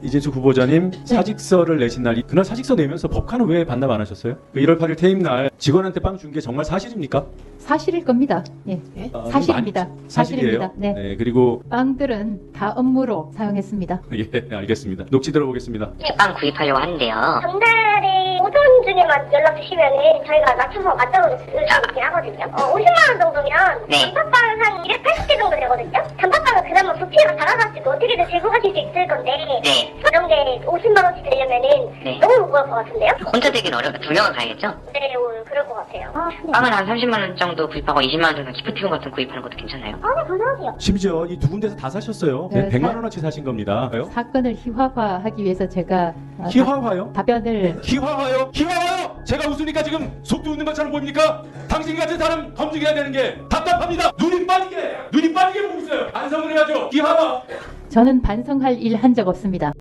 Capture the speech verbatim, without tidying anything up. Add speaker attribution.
Speaker 1: 이재수 후보자님 사직서를 내신 날, 그날 사직서 내면서 법카는 왜 반납 안 하셨어요? 그 일월 팔일 퇴임 날 직원한테 빵 준 게 정말 사실입니까?
Speaker 2: 사실일 겁니다. 예,
Speaker 1: 아,
Speaker 2: 사실입니다.
Speaker 1: 많이-
Speaker 2: 사실입니다.
Speaker 1: 사실이에요?
Speaker 2: 네.
Speaker 1: 네, 그리고
Speaker 2: 빵들은 다 업무로 사용했습니다.
Speaker 1: 예, 알겠습니다. 녹취 들어보겠습니다.
Speaker 3: 빵 구입하려고 하는데요.
Speaker 4: 전날에 오전 중에만 연락 주시면은 저희가 맞춰서 맞춰서 드리긴 하거든요. 어, 오십만 원 정도면
Speaker 3: 네.
Speaker 4: 단팥빵은 한 이백팔십 개 정도 되거든요. 단팥빵은 그나마 부피가 작아가지고 어떻게든 들고 가실 수 있을 건데
Speaker 3: 네.
Speaker 4: 이런 게 오십만 원씩 되려면은
Speaker 3: 네.
Speaker 4: 너무 무거울 것 같은데요?
Speaker 3: 혼자 되긴 어려워. 두 명은 가야겠죠?
Speaker 4: 네, 오, 그럴 것 같아요. 아, 네.
Speaker 3: 빵을 한 삼십만 원 정도 구입하고 이십만 원 정도 기프티콘 같은 거 구입하는 것도 괜찮아요?
Speaker 4: 아, 네, 감사하세요.
Speaker 1: 심지어 이 두 군데서 다 사셨어요. 네,
Speaker 2: 네,
Speaker 1: 백만
Speaker 2: 사-
Speaker 1: 원어치 사신 겁니다.
Speaker 2: 사건을 희화화하기 위해서 제가 어,
Speaker 1: 희화화요?
Speaker 2: 다- 답변을
Speaker 1: 희화화요? 희화화요? 제가 웃으니까 지금 속도 웃는 것처럼 보입니까? 당신 같은 사람 검증해야 되는 게 답답합니다. 눈이 빠지게, 눈이 빠지게 보고 있어요. 반성을 해야죠. 희화화.
Speaker 2: 저는 반성할 일 한 적 없습니다.